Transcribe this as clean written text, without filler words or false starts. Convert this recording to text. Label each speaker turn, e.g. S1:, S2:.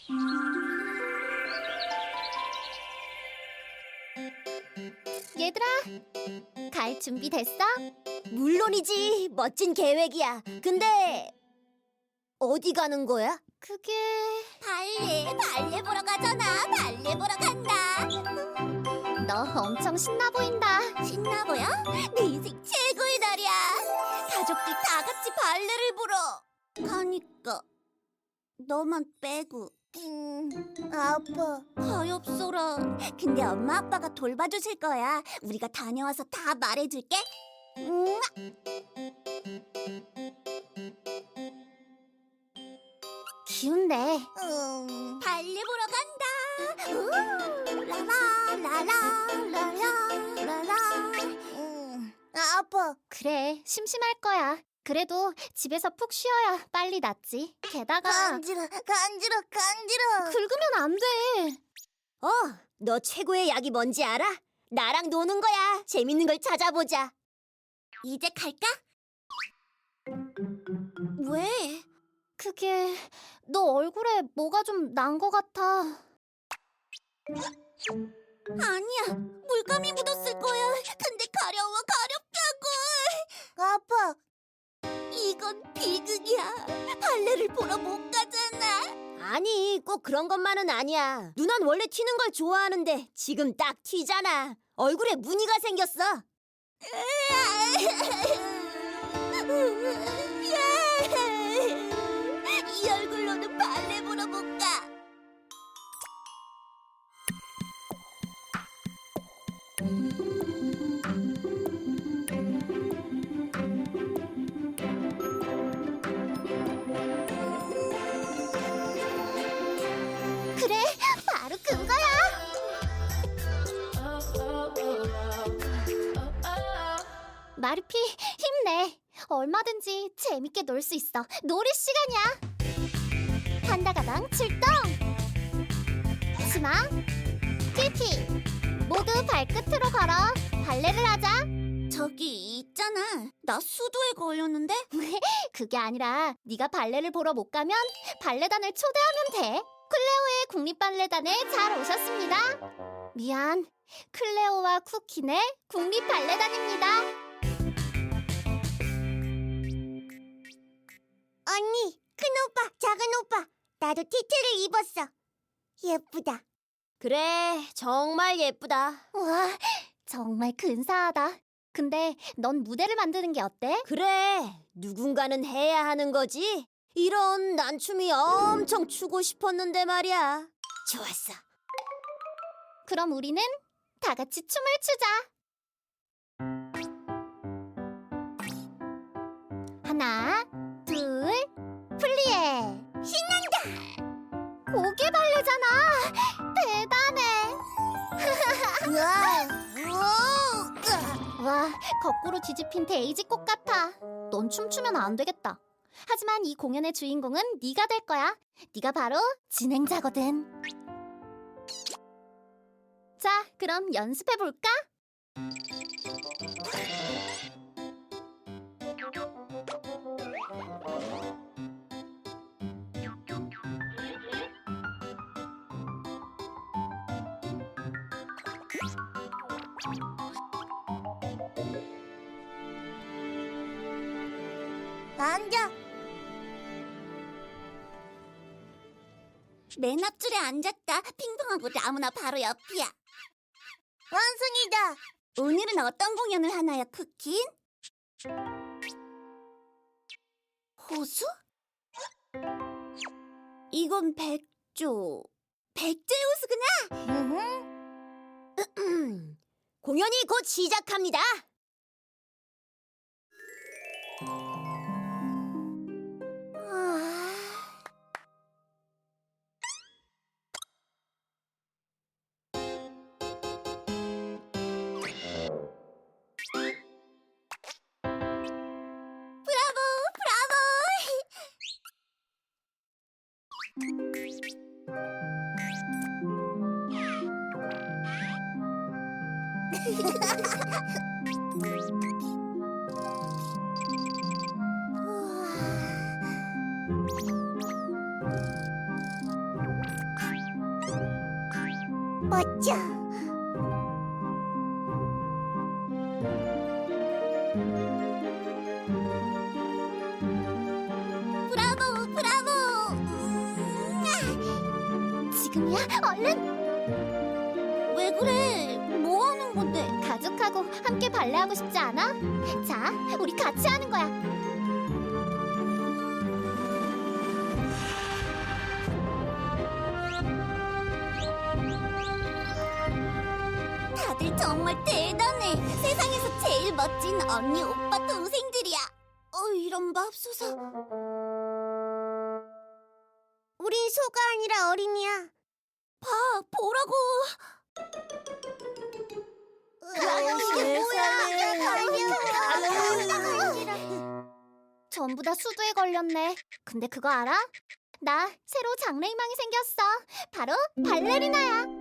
S1: 얘들아, 갈 준비 됐어?
S2: 물론이지. 멋진 계획이야. 근데 어디 가는 거야?
S1: 그게...
S2: 발레 보러 가잖아. 발레 보러 간다.
S1: 너 엄청 신나 보인다.
S2: 신나 보여? 내 인생 최고의 날이야. 가족들 다 같이 발레를 보러 가니까 너만 빼고. 아파. 가엾어라. 근데 엄마 아빠가 돌봐주실 거야. 우리가 다녀와서 다 말해줄게.
S1: 기운내.
S2: 발레 보러 간다. 라라라라라라라라. 아파.
S1: 그래, 심심할 거야. 그래도 집에서 푹 쉬어야 빨리 낫지. 게다가
S2: 간지러.
S1: 긁으면 안 돼.
S2: 너 최고의 약이 뭔지 알아? 나랑 노는 거야. 재밌는 걸 찾아보자. 이제 갈까? 왜?
S1: 그게 너 얼굴에 뭐가 좀 난 거 같아.
S2: 아니야. 물감이 묻었을 거야. 근데 가려워. 가렵다고. 아파. 이건 비극이야. 발레를 보러 못 가잖아. 아니, 꼭 그런 것만은 아니야. 누난 원래 튀는 걸 좋아하는데 지금 딱 튀잖아. 얼굴에 무늬가 생겼어. 이 얼굴로는 발레 보러 못 가.
S1: 그래, 바로 그거야. 마르피, 힘내. 얼마든지 재밌게 놀 수 있어. 놀이 시간이야. 판다 가방 출동. 치마, 큐티, 모두 발끝으로 걸어. 발레를 하자.
S2: 저기 있잖아. 나 수도에 걸렸는데?
S1: 그게 아니라 네가 발레를 보러 못 가면 발레단을 초대하면 돼. 클레오의 국립발레단에 잘 오셨습니다. 미안, 클레오와 쿠키네 국립발레단입니다.
S2: 언니, 큰 오빠, 작은 오빠. 나도 티트를 입었어. 예쁘다. 그래, 정말 예쁘다.
S1: 와, 정말 근사하다. 근데 넌 무대를 만드는 게 어때?
S2: 그래, 누군가는 해야 하는 거지. 이런 난 춤이 엄청 추고 싶었는데 말이야. 좋았어.
S1: 그럼 우리는 다 같이 춤을 추자. 하나, 둘, 플리에. 신난다. 고개 발레잖아. 대단해. 와, 거꾸로 뒤집힌 데이지 꽃 같아. 넌 춤추면 안 되겠다. 하지만 이 공연의 주인공은 네가 될 거야. 네가 바로 진행자거든. 자, 그럼 연습해 볼까?
S2: 앉아. 맨 앞줄에 앉았다. 핑퐁하고 나무나 바로 옆이야. 완성이다. 오늘은 어떤 공연을 하나요, 쿠킨? 호수? 이건 백조. 백조의 호수구나. 공연이 곧 시작합니다. 브라보, 브라보. 멋져. 브라보, 브라보.
S1: 지금이야, 얼른!
S2: 왜 그래? 뭐 하는 건데?
S1: 가족하고 함께 발레하고 싶지 않아? 자, 우리 같이 하는 거야.
S2: 다들 정말 대단해. 세상에서 제일 멋진 언니, 오빠, 동생들이야. 이런 맙소사. 우린 소가 아니라 어린이야. 봐, 보라고.
S1: 이게 전부 다 수두에 걸렸네. 근데 그거 알아? 나 새로 장래희망이 생겼어. 바로 발레리나야.